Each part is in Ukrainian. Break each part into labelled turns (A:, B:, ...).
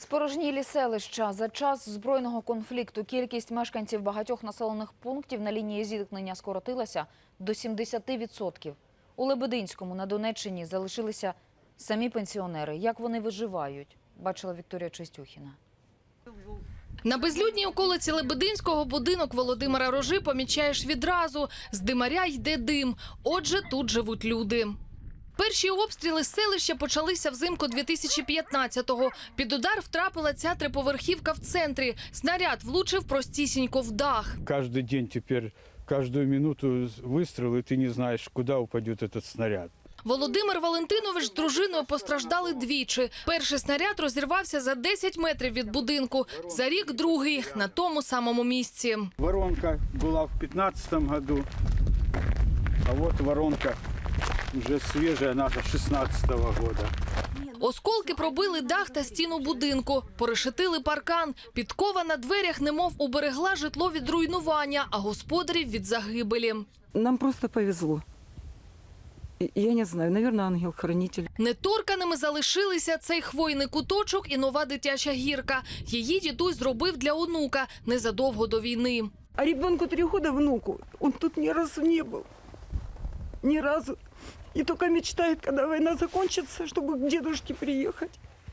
A: Спорожнілі селища. За час збройного конфлікту кількість мешканців багатьох населених пунктів на лінії зіткнення скоротилася до 70%. У Лебединському на Донеччині залишилися самі пенсіонери. Як вони виживають, бачила Вікторія Чистюхіна.
B: На безлюдній околиці Лебединського будинок Володимира Рожи помічаєш відразу. З димаря йде дим. Отже, тут живуть люди. Перші обстріли селища почалися взимку 2015-го. Під удар втрапила ця триповерхівка в центрі. Снаряд влучив простісінько в дах.
C: Каждый день теперь, каждую минуту выстрел, и ты не знаешь, куда упадет этот снаряд.
B: Володимир Валентинович з дружиною постраждали двічі. Перший снаряд розірвався за 10 метрів від будинку. За рік другий на тому самому місці.
C: Воронка была в 2015 году, а вот воронка уже свежая, наша 2016 года.
B: Осколки пробили дах та стіну будинку, порешетили паркан. Підкова на дверях немов уберегла житло від руйнування, а господарів від загибелі.
D: Нам просто повезло. Я не знаю, наверное, ангел-хранитель.
B: Неторканими залишилися цей хвойний куточок і нова дитяча гірка. Її дідусь зробив для онука незадовго до війни.
D: А ребенку 3 года, внуку, он тут ни разу не был. Ни разу. И только мечтает, когда война закончится, чтобы к дедушке приехать.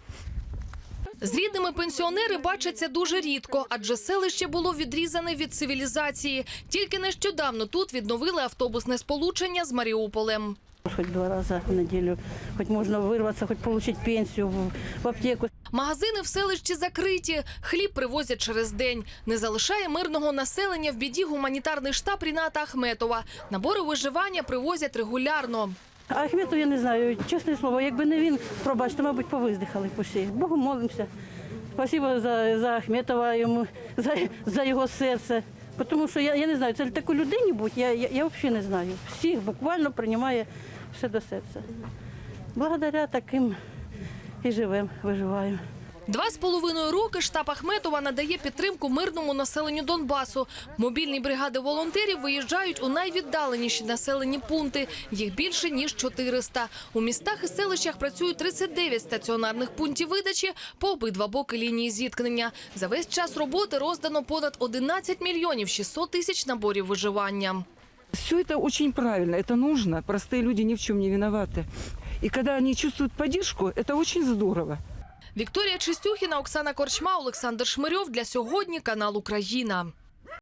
B: З рідними пенсіонери бачаться дуже рідко, адже селище було відрізане від цивілізації. Тільки нещодавно тут відновили автобусне сполучення з Маріуполем.
E: Хоть 2 рази в неділю, хоч можна вирватися, хоч отримати пенсію в аптеку.
B: Магазини в селищі закриті, хліб привозять через день. Не залишає мирного населення в біді гуманітарний штаб Ріната Ахметова. Набори виживання привозять регулярно.
E: А Ахметов, я не знаю, чесне слово, якби не він, пробачте, мабуть, повиздихали всі. Богу молимося. Спасибо за Ахметова, йому, за його серце. Тому що, я не знаю, це таку людині будь, я взагалі не знаю. Всіх буквально приймає все до серця. Благодаря таким і живемо, виживаємо.
B: 2,5 роки штаб Ахметова надає підтримку мирному населенню Донбасу. Мобільні бригади волонтерів виїжджають у найвіддаленіші населені пункти. Їх більше, ніж 400. У містах і селищах працюють 39 стаціонарних пунктів видачі по обидва боки лінії зіткнення. За весь час роботи роздано понад 11 мільйонів 600 тисяч наборів виживання.
D: Все это очень правильно, это нужно. Простые люди ни в чем не виноваты. И когда они чувствуют поддержку, это очень здорово.
B: Вікторія Чистюхіна, Оксана Корчма, Олександр Шмирьов. Для сьогодні канал «Україна».